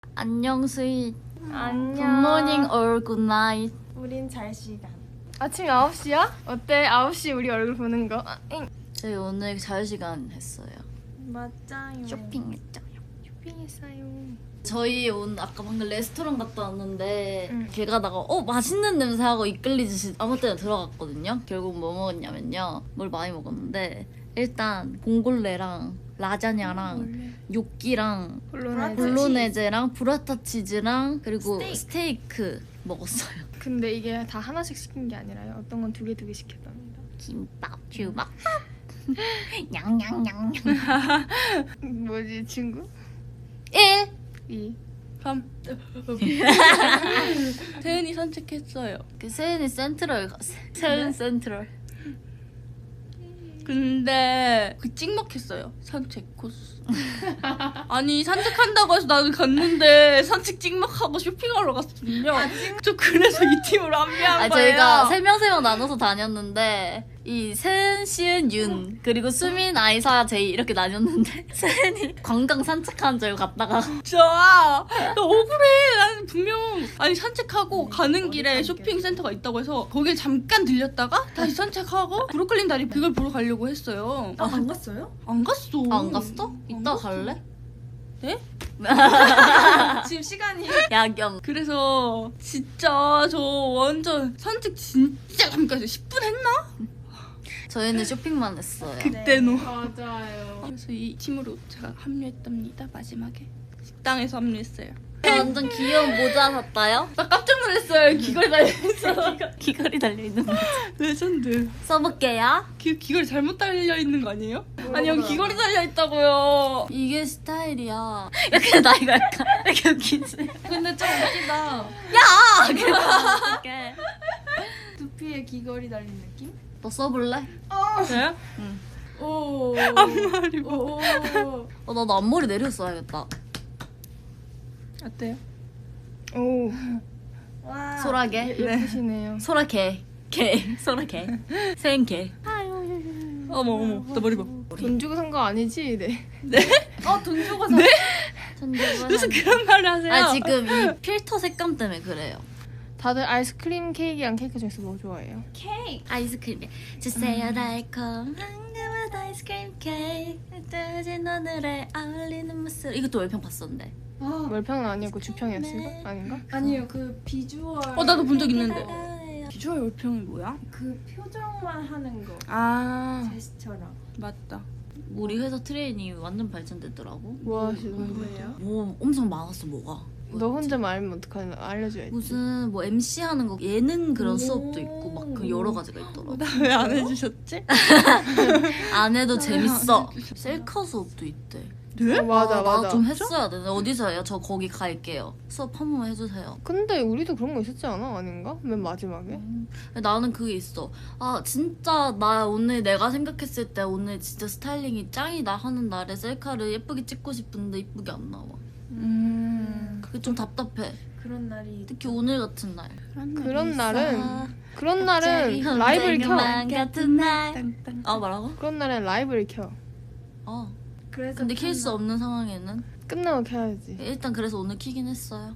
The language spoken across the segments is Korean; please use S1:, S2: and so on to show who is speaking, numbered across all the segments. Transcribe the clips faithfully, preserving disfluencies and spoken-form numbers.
S1: 안녕 스윗.
S2: 안녕.
S1: 굿모닝 or 굿나잇.
S2: 우린 잘 시간. 아침 아홉 시야? 어때? 아홉 시 우리 얼굴 보는 거.
S1: 저희 오늘 자유시간 했어요.
S2: 맞아요.
S1: 쇼핑했죠.
S2: 쇼핑했어요.
S1: 저희 오늘 아까 방금 레스토랑 갔다 왔는데
S2: 응.
S1: 길 가다가 어 맛있는 냄새 하고 이끌리듯이 아무 때나 들어갔거든요. 결국 뭐 먹었냐면요. 뭘 많이 먹었는데 일단 봉골레랑 라자냐랑 요끼랑
S2: 볼로네즈.
S1: 볼로네제랑 브라타 치즈랑 그리고
S2: 스테이크.
S1: 스테이크 먹었어요.
S2: 근데 이게 다 하나씩 시킨 게 아니라요. 어떤 건 두 개 두 개 시켰답니다.
S1: 김밥, 주먹밥, 냥냥냥냥.
S2: 뭐지 친구?
S1: 일.
S2: 이.
S3: 삼. 태은이 산책했어요.
S1: 그 세은이 센트럴 갔어. 세은 센트럴.
S3: 근데 그 찍먹했어요. 산책 코스. 아니 산책한다고 해서 나는 갔는데 산책 찍먹하고 쇼핑하러 갔거든요. 저 그래서 이 팀으로 합류한
S1: 아
S3: 거예요.
S1: 저희가 세 명 세 명 나눠서 다녔는데 이 세은, 시은, 윤 그리고 수민, 아이사, 제이 이렇게 나뉘었는데 세은이 관광 산책하는 줄 알고 갔다가
S3: 진짜 나 억울해. 나는 분명 아니 산책하고 가는 길에 쇼핑센터가 있다고 해서 거길 잠깐 들렸다가 다시 산책하고 브루클린 다리 그걸 보러 가려고 했어요.
S2: 아, 안 갔어요?
S3: 안 갔어.
S1: 아, 안 갔어? 이따 갈래?
S3: 네?
S2: 지금 시간이
S1: 야경.
S3: 그래서 진짜 저 완전 산책 진짜 잠깐 했어요. 십 분 했나?
S1: 저희는 쇼핑만 했어요.
S3: 그때는.
S2: 맞아요.
S3: 그래서 이 팀으로 제가 합류했답니다. 마지막에 식당에서 합류했어요.
S1: 완전 귀여운 모자 샀다요?
S3: 나 깜짝 놀랐어요. 귀걸이 달려있어.
S1: 귀걸이 달려있는 거
S3: 레전드.
S1: 써볼게요.
S3: 귀, 귀걸이 잘못 달려있는 거 아니에요? 아니 여기 귀걸이 달려있다고요.
S1: 이게 스타일이야. 이렇게 나이가 약간 이렇게 웃기지?
S2: 근데 좀 웃기다.
S1: 야! 이렇게.
S2: 두피에 귀걸이 달린 느낌?
S1: 너 써볼래?
S3: 네?
S2: 오.
S3: 앞머리 봐.
S2: 오.
S1: 어, 나도 앞머리 내려 써야겠다.
S3: 어때요?
S2: 오. 와.
S1: 소라게.
S2: 예, 예쁘시네요.
S1: 소라 개. 개. 소라 개. 세은 개.
S3: 어머 어머 나 머리 봐.
S2: 돈 주고 산 거 아니지? 네.
S1: 어, 돈 주고 사. 네?
S3: 무슨 그런 말을 하세요?
S1: 아 지금 이 필터 색감 때문에 그래요.
S2: 다들 아이스크림 케이크랑 케이크 중에서 뭐 좋아해요?
S1: 케이크. 아이스크림. 주세요 달콤 황금한 아이스크림 케이크. 뜨진 오늘에 어울리는 모습. 이것도 월평 봤었는데.
S2: 월평은 아니었고 주평이었을까? 아닌가?
S4: 아니요, 그 비주얼.
S3: 어 나도 본 적 있는데. 비주얼 월평이 뭐야?
S4: 그 표정만 하는 거.
S3: 아
S4: 제스처랑.
S3: 맞다.
S1: 우리 회사 트레이닝 완전 발전됐더라고.
S2: 뭐 하시는 거예요?
S4: 뭐예요?
S1: 뭐 엄청 많았어 뭐가.
S2: 너 혼자만 알면 어떡하나 알려줘야지.
S1: 무슨 뭐 엠씨 하는 거 예능 그런 수업도 있고 막 그 여러 가지가 있더라고.
S3: 나 왜 안 해주셨지?
S1: 안 해도 재밌어. 셀카 수업도 있대.
S3: 네?
S2: 어, 맞아
S1: 아,
S2: 맞아.
S1: 나좀 했어야 돼. 어디서 해요? 저 거기 갈게요. 수업 한 번만 해주세요.
S2: 근데 우리도 그런 거 있었지 않아? 아닌가? 맨 마지막에?
S1: 음, 나는 그게 있어. 아 진짜 나 오늘 내가 생각했을 때 오늘 진짜 스타일링이 짱이다 하는 날에 셀카를 예쁘게 찍고 싶은데 예쁘게 안 나와.
S3: 음
S1: 그게 좀 답답해.
S4: 그런 날이.
S1: 특히 오늘 같은 날.
S2: 그런 날은 그런 날은 라이브를 켜.
S1: 같은 날.
S3: 땅땅.
S1: 아 뭐라고?
S2: 그런 날은 라이브를 켜.
S1: 어.
S4: 그래서.
S1: 근데 킬 수 없는 상황에는
S2: 끝나고 켜야지.
S1: 일단 그래서 오늘 키긴 했어요.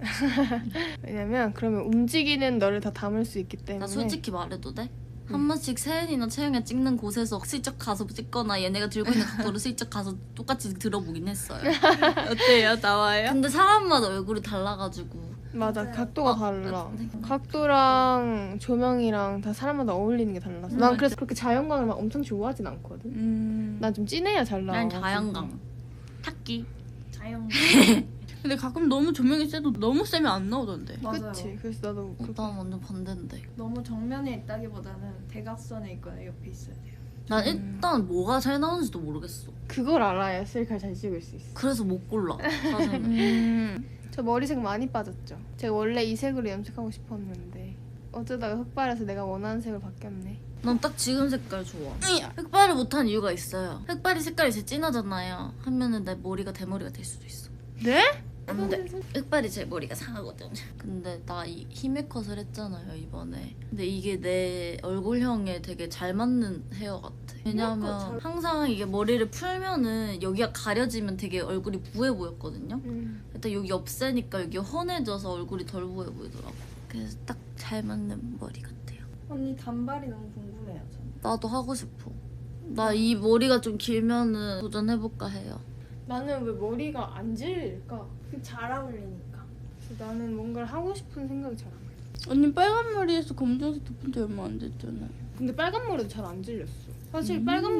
S2: 왜냐면 그러면 움직이는 너를 다 담을 수 있기 때문에.
S1: 나 솔직히 말해도 돼? 한 번씩 세은이나 채영이 찍는 곳에서 슬쩍 가서 찍거나 얘네가 들고 있는 각도를 슬쩍 가서 똑같이 들어보긴 했어요.
S3: 어때요? 나와요?
S1: 근데 사람마다 얼굴이 달라가지고
S2: 맞아,
S4: 맞아요.
S2: 각도가
S1: 어,
S2: 달라.
S1: 네.
S2: 각도랑 조명이랑 다 사람마다 어울리는 게 달라서. 난 그래서 그렇게 자연광을 막 엄청 좋아하진 않거든.
S3: 음.
S2: 난 좀 진해야 잘 나와.
S1: 난 자연광 탁기.
S4: 자연.
S3: 근데 가끔 너무 조명이 세도 너무 세면 안 나오던데.
S4: 맞아요.
S2: 그치. 그래서 나도 그렇게.
S1: 난 완전 반대인데.
S4: 너무 정면에 있다기보다는 대각선에 있거나 옆에 있어야 돼요.
S1: 난 일단 뭐가 잘 나오는지도 모르겠어.
S2: 그걸 알아야 셀카를 잘 찍을 수 있어.
S1: 그래서 못 골라 사진을.
S3: 음.
S2: 저 머리색 많이 빠졌죠. 제가 원래 이 색으로 염색하고 싶었는데 어쩌다가 흑발해서 내가 원하는 색으로 바뀌었네.
S1: 난 딱 지금 색깔 좋아. 흑발을 못한 이유가 있어요. 흑발이 색깔이 제일 진하잖아요. 하면은 내 머리가 대머리가 될 수도 있어.
S2: 네?
S1: 안돼. 흑발이 제 머리가 상하거든. 근데 나 이 히메컷을 했잖아요 이번에. 근데 이게 내 얼굴형에 되게 잘 맞는 헤어 같아. 왜냐면 항상 이게 머리를 풀면은 여기가 가려지면 되게 얼굴이 부해 보였거든요.
S2: 음.
S1: 일단 여기 없애니까 여기 헌해져서 얼굴이 덜 부해 보이더라고. 그래서 딱 잘 맞는 머리 같아요.
S4: 언니 단발이 너무 궁금해요. 저는.
S1: 나도 하고 싶어. 나 이 머리가 좀 길면은 도전해볼까 해요.
S2: 나는 왜 머리가 안 질릴까?
S4: 잘 어울리니까.
S2: 그래서 나는 뭔가를 하고 싶은 생각이 잘 안 나.
S3: 언니 빨간 머리에서 검정색 덮은 지 얼마 안 됐잖아요.
S2: 근데 빨간 머리도 잘 안 질렸어. 사실
S3: 음.
S2: 빨간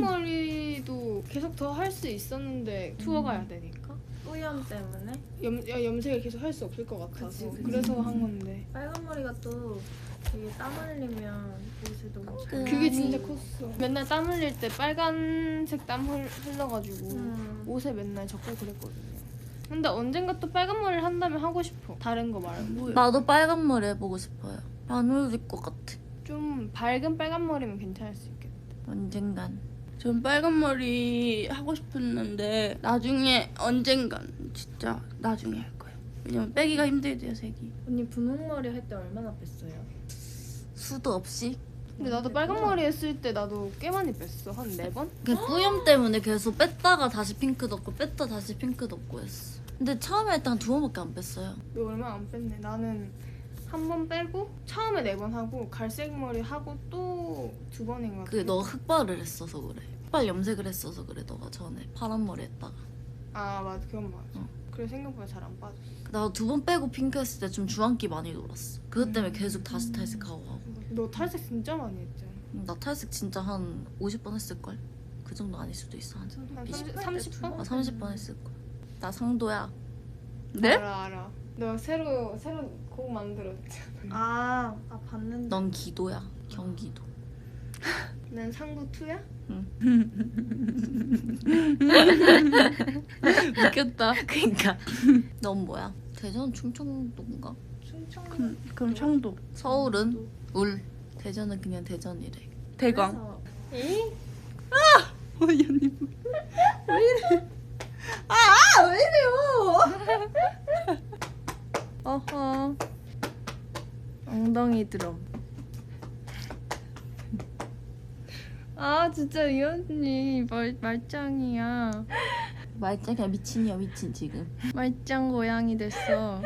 S2: 머리도 계속 더 할 수 있었는데 투어 가야 되니까
S4: 뿌염 때문에
S2: 염, 야, 염색을 계속 할 수 없을 것 같아서
S4: 그치, 그치.
S2: 그래서 한 건데
S4: 빨간 머리가 또 되게 땀 흘리면 옷에 너무 잘.
S2: 그게 진짜 컸어. 맨날 땀 흘릴 때 빨간색 땀 흘, 흘러가지고
S4: 음.
S2: 옷에 맨날 적고 그랬거든요. 근데 언젠가 또 빨간 머리를 한다면 하고 싶어. 다른 거 말고
S1: 나도 빨간 머리 해보고 싶어요. 안 어울릴 것 같아.
S2: 좀 밝은 빨간 머리면 괜찮을 수 있겠다.
S1: 언젠간.
S3: 전 빨간 머리 하고 싶었는데 나중에 언젠간 진짜 나중에 할 거예요. 왜냐면 빼기가 힘들대요 색이.
S4: 언니 분홍머리 할 때 얼마나 뺐어요?
S1: 수도 없이.
S2: 근데 나도 빨간 머리 했을 때 나도 꽤 많이 뺐어. 한 네 번?
S1: 그 뿌염 때문에 계속 뺐다가 다시 핑크 덮고 뺐다 다시 핑크 덮고 했어. 근데 처음에 일단 두 번밖에 안 뺐어요.
S2: 너 얼마 안 뺐네. 나는 한 번 빼고 처음에 네 번 하고 갈색 머리 하고 또 두 번인가.
S1: 그게 너 흑발을 했어서 그래. 흑발 염색을 했어서 그래. 너가 전에 파란 머리 했다가.
S2: 아 맞아 그건 맞아.
S1: 어.
S2: 그래 생각보다 잘 안 빠졌어.
S1: 나도 두 번 빼고 핑크 했을 때 좀 주황기 많이 돌았어. 그것 때문에 계속 다시 탈색하고 하고.
S2: 너 탈색 진짜 많이 했잖아.
S1: 나 탈색 진짜 한 오십 번 했을걸? 그 정도 아닐 수도 있어. 한
S2: 한
S1: 이십
S2: 삼십, 삼십 번?
S1: 아, 삼십 번 했을걸. 나 상도야.
S3: 네?
S2: 알아 알아. 너 새로 새로 곡 만들었지.
S4: 아, 아 봤는데.
S1: 넌 기도야. 경기도.
S2: 난 상구 투야?
S3: 웃겼다.
S1: 그니까. 넌 뭐야? 대전 충청도인가?
S4: 충청.
S3: 그럼, 그럼 청도.
S1: 서울은? 울. 대전은 그냥 대전이래.
S3: 대광.
S4: 그래서
S2: 에이?
S3: 어이 언니 뭐.
S2: 어허. 엉덩이 드럼. 아 진짜 이 언니 말, 말짱이야.
S1: 말짱이야 미친이야 미친 지금.
S2: 말짱 고양이 됐어.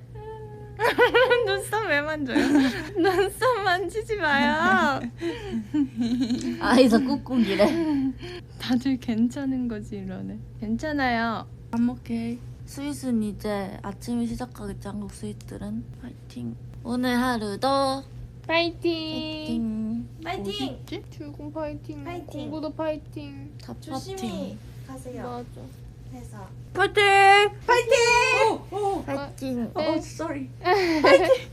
S2: 눈썹 왜 만져요? 눈썹 만지지 마요.
S1: 아이서 꾹꾹이래.
S2: 다들 괜찮은 거지 이러네. 괜찮아요.
S3: I'm okay.
S1: 스윗은 이제 아침에 시작하겠지. 한국 스윗들은. 파이팅. 오늘 하루도
S2: 파이팅.
S1: 파이팅.
S4: 파이팅.
S2: 어딨지? 출근 파이팅.
S4: 파이팅.
S2: 공부도 파이팅.
S1: 다
S4: 조심히
S1: 파이팅.
S4: 가세요.
S2: 맞아.
S4: 회사.
S3: 파이팅!
S1: 파이팅.
S2: 네.
S3: sorry.